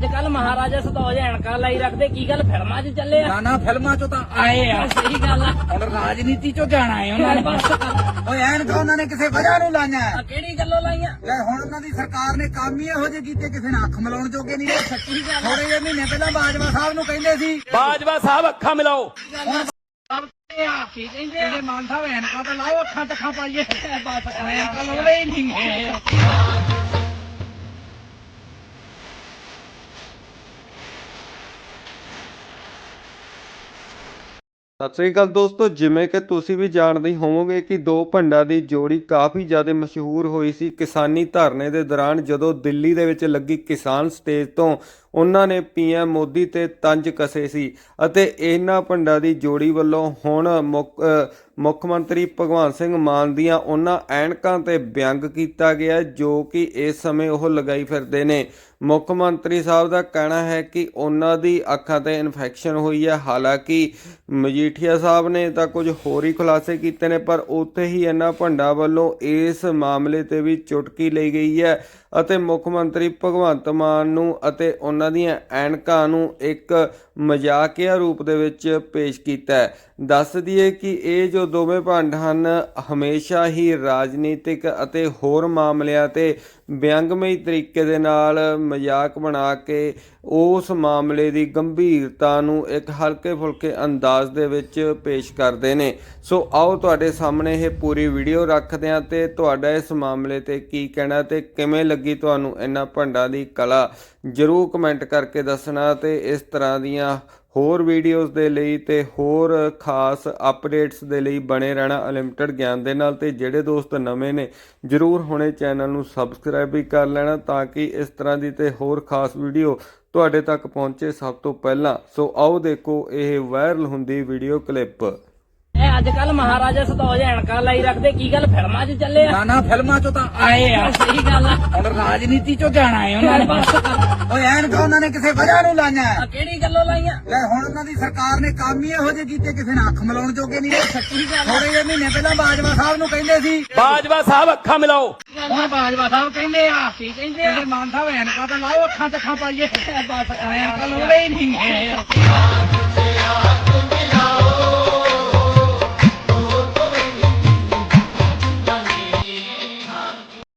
ਅੱਜ ਕੱਲ ਮਹਾਰਾਜਾ ਸਤੌਜ ਐਨਕਾਂ ਲਾਈ ਰੱਖਦੇ ਕੀ ਗੱਲ ਫਿਲਮਾਂ 'ਚ ਚੱਲੇ ਆ ਨਾ ਫਿਲਮਾਂ ਚੋਂ ਤਾਂ ਆਏ ਆ ਸਹੀ ਗੱਲ ਆ ਹੁਣ ਰਾਜਨੀਤੀ ਚੋਂ ਜਾਣਾ ਹੈ ਉਹਨਾਂ ਨੇ ਬਸ ਕਰ। ਓਏ ਐਨਕਾਂ ਉਹਨਾਂ ਨੇ ਕਿਸੇ ਵਜ੍ਹਾ ਨੂੰ ਲਾਈਆਂ ਕਿਹੜੀ ਗੱਲੋਂ ਲਾਈਆਂ ਲੈ ਹੁਣ ਉਹਨਾਂ ਦੀ ਸਰਕਾਰ ਨੇ ਕੰਮ ਹੀ ਇਹੋ ਜਿਹੇ ਕੀਤੇ ਕਿਸੇ ਨੇ ਅੱਖ ਮਿਲਾਉਣ ਜੋਗੇ ਨਹੀਂ ਰਹੇ। ਸੱਚੀ ਗੱਲ ਥੋੜੇ ਜਿਹੇ ਮਹੀਨੇ ਪਹਿਲਾਂ ਬਾਜਵਾ ਸਾਹਿਬ ਨੂੰ ਕਹਿੰਦੇ ਸੀ ਬਾਜਵਾ ਸਾਹਿਬ ਅੱਖਾਂ ਮਿਲਾਓ। ਹੁਣ ਕੀ ਕਹਿੰਦੇ ਮਾਨ ਸਾਹਿਬ ਐਨਕਾਂ ਤਾਂ ਲਾਓ ਅੱਖਾਂ ਤੱਕਾਂ ਪਾਈਏ ਬਸ ਐਨਕਾਂ ਲਾਉਂਦੇ ਹੀ ਨਹੀਂ ਸਤਿ ਸ੍ਰੀ ਅਕਾਲ ਦੋਸਤੋ, ਜਿਵੇਂ ਕਿ ਤੁਸੀਂ ਵੀ ਜਾਣਦੇ ਹੀ ਹੋਵੋਗੇ ਕਿ ਦੋ ਭੰਡਾਂ ਦੀ ਜੋੜੀ ਕਾਫੀ ਜ਼ਿਆਦਾ ਮਸ਼ਹੂਰ ਹੋਈ ਸੀ ਕਿਸਾਨੀ ਧਰਨੇ ਦੇ ਦੌਰਾਨ, ਜਦੋਂ ਦਿੱਲੀ ਦੇ ਵਿੱਚ ਲੱਗੀ ਕਿਸਾਨ ਸਟੇਜ ਤੋਂ ਉਹਨਾਂ ਨੇ ਪੀਐਮ ਮੋਦੀ ਤੇ ਤੰਜ ਕਸੇ ਸੀ। ਅਤੇ ਇਹਨਾਂ ਭੰਡਾਂ ਦੀ ਜੋੜੀ ਵੱਲੋਂ ਹੁਣ ਮੁੱਖ ਮੰਤਰੀ ਭਗਵੰਤ ਸਿੰਘ ਮਾਨ ਦੀਆਂ ਉਹਨਾਂ ਐਨਕਾਂ ਤੇ ਵਿਅੰਗ ਕੀਤਾ ਗਿਆ ਜੋ ਕਿ ਇਸ ਸਮੇਂ ਉਹ ਲਗਾਈ ਫਿਰਦੇ ਨੇ। ਮੁੱਖ ਮੰਤਰੀ ਸਾਹਿਬ ਦਾ ਕਹਿਣਾ ਹੈ ਕਿ ਉਹਨਾਂ ਦੀ ਅੱਖਾਂ ਤੇ ਇਨਫੈਕਸ਼ਨ ਹੋਈ ਹੈ। ਹਾਲਾਂਕਿ ਮਜੀਠੀਆ ਸਾਹਿਬ ਨੇ ਤਾਂ ਕੁਝ ਹੋਰ ਹੀ ਖੁਲਾਸੇ ਕੀਤੇ ਨੇ, ਪਰ ਉੱਥੇ ਹੀ ਇਹਨਾਂ ਭੰਡਾਂ ਵੱਲੋਂ ਇਸ ਮਾਮਲੇ ਤੇ ਵੀ ਚੁਟਕੀ ਲਈ ਗਈ ਹੈ ਅਤੇ ਮੁੱਖ ਮੰਤਰੀ ਭਗਵੰਤ ਮਾਨ ਨੂੰ ਅਤੇ ਉਹਨਾਂ ਦੀਆਂ ਐਨਕਾਂ ਨੂੰ ਇੱਕ ਮਜ਼ਾਕੀਆ ਰੂਪ ਦੇ ਵਿੱਚ ਪੇਸ਼ ਕੀਤਾ ਹੈ। ਦੱਸ ਦਈਏ ਕਿ ਇਹ ਜੋ ਦੋਵੇਂ ਭੰਡ ਹਨ ਹਮੇਸ਼ਾ ਹੀ ਰਾਜਨੀਤਿਕ ਅਤੇ ਹੋਰ ਮਾਮਲਿਆਂ ਤੇ ਵਿਅੰਗਮਈ ਤਰੀਕੇ ਦੇ ਨਾਲ ਮਜ਼ਾਕ ਬਣਾ ਕੇ ਉਸ ਮਾਮਲੇ ਦੀ ਗੰਭੀਰਤਾ ਨੂੰ ਇੱਕ ਹਲਕੇ ਫੁਲਕੇ ਅੰਦਾਜ਼ ਦੇ ਵਿੱਚ ਪੇਸ਼ ਕਰਦੇ ਨੇ। ਸੋ ਆਓ ਤੁਹਾਡੇ ਸਾਹਮਣੇ ਇਹ ਪੂਰੀ ਵੀਡੀਓ ਰੱਖਦੇ ਹਾਂ ਤੇ ਤੁਹਾਡਾ ਇਸ ਮਾਮਲੇ ਤੇ ਕੀ ਕਹਿਣਾ ਤੇ ਕਿਵੇਂ ਲੱਗੀ ਤੁਹਾਨੂੰ ਇਹਨਾਂ ਭੰਡਾਂ ਦੀ ਕਲਾ ਜ਼ਰੂਰ ਕਮੈਂਟ ਕਰਕੇ ਦੱਸਣਾ। ਤੇ ਇਸ ਤਰ੍ਹਾਂ ਦੀਆਂ ਹੋਰ ਵੀਡੀਓਜ਼ ਦੇ ਲਈ ਤੇ ਹੋਰ ਖਾਸ ਅਪਡੇਟਸ ਦੇ ਲਈ ਬਣੇ ਰਹਿਣਾ ਅਨਲਿਮਟਿਡ ਗਿਆਨ ਦੇ ਨਾਲ। ਤੇ ਜਿਹੜੇ ਦੋਸਤ ਨਵੇਂ ਨੇ ਜ਼ਰੂਰ ਹੁਣੇ ਚੈਨਲ ਨੂੰ ਸਬਸਕ੍ਰਾਈਬ ਵੀ ਕਰ ਲੈਣਾ ਤਾਂ ਕਿ ਇਸ ਤਰ੍ਹਾਂ ਦੀ ਤੇ ਹੋਰ ਖਾਸ ਵੀਡੀਓ ਤੁਹਾਡੇ ਤੱਕ ਪਹੁੰਚੇ ਸਭ ਤੋਂ ਪਹਿਲਾਂ। ਸੋ ਆਓ ਦੇਖੋ ਇਹ ਵਾਇਰਲ ਹੁੰਦੀ ਵੀਡੀਓ ਕਲਿੱਪ। ਇਹ ਅੱਜ ਕੱਲ ਮਹਾਰਾਜਾ ਸਤੌਜ ਐਨਕਾਂ ਲਾਈ ਰੱਖਦੇ ਕੀ ਗੱਲ ਫਿਲਮਾਂ 'ਚ ਚੱਲੇ ਆ ਨਾ ਫਿਲਮਾਂ ਚੋਂ ਤਾਂ ਆਏ ਆ ਸਹੀ ਗੱਲ ਆ ਹੁਣ ਰਾਜਨੀਤੀ ਚੋਂ ਜਾਣਾ ਹੈ ਉਹਨਾਂ ਨੇ ਬਸ ਕਰ। ਓਏ ਐਨਕਾਂ ਉਹਨਾਂ ਨੇ ਕਿਸੇ ਵਜ੍ਹਾ ਨੂੰ ਲਾਈਆਂ ਕਿਹੜੀ ਗੱਲੋਂ ਲਾਈਆਂ ਲੈ ਹੁਣ ਉਹਨਾਂ ਦੀ ਸਰਕਾਰ ਨੇ ਕੰਮ ਹੀ ਇਹੋ ਜਿਹੇ ਕੀਤੇ ਕਿਸੇ ਨੇ ਅੱਖ ਮਿਲਾਉਣ ਜੋਗੇ ਨਹੀਂ ਰਹੇ। ਸੱਚੀ ਗੱਲ ਆ ਥੋੜੇ ਜਿਹੇ ਮਹੀਨੇ ਪਹਿਲਾਂ ਬਾਜਵਾ ਸਾਹਿਬ ਨੂੰ ਕਹਿੰਦੇ ਸੀ ਬਾਜਵਾ ਸਾਹਿਬ ਅੱਖਾਂ ਮਿਲਾਓ। ਹੁਣ ਬਾਜਵਾ ਸਾਹਿਬ ਕਹਿੰਦੇ ਆ ਕੀ ਕਹਿੰਦੇ ਮਾਨ ਸਾਹਿਬ ਐਨਕਾਂ ਤਾਂ ਲਾਓ ਅੱਖਾਂ ਤੱਕਾਂ ਪਾਈਏ ਬਸ ਐਨਕਾਂ ਲਾਉਂਦੇ ਹੀ ਨਹੀਂ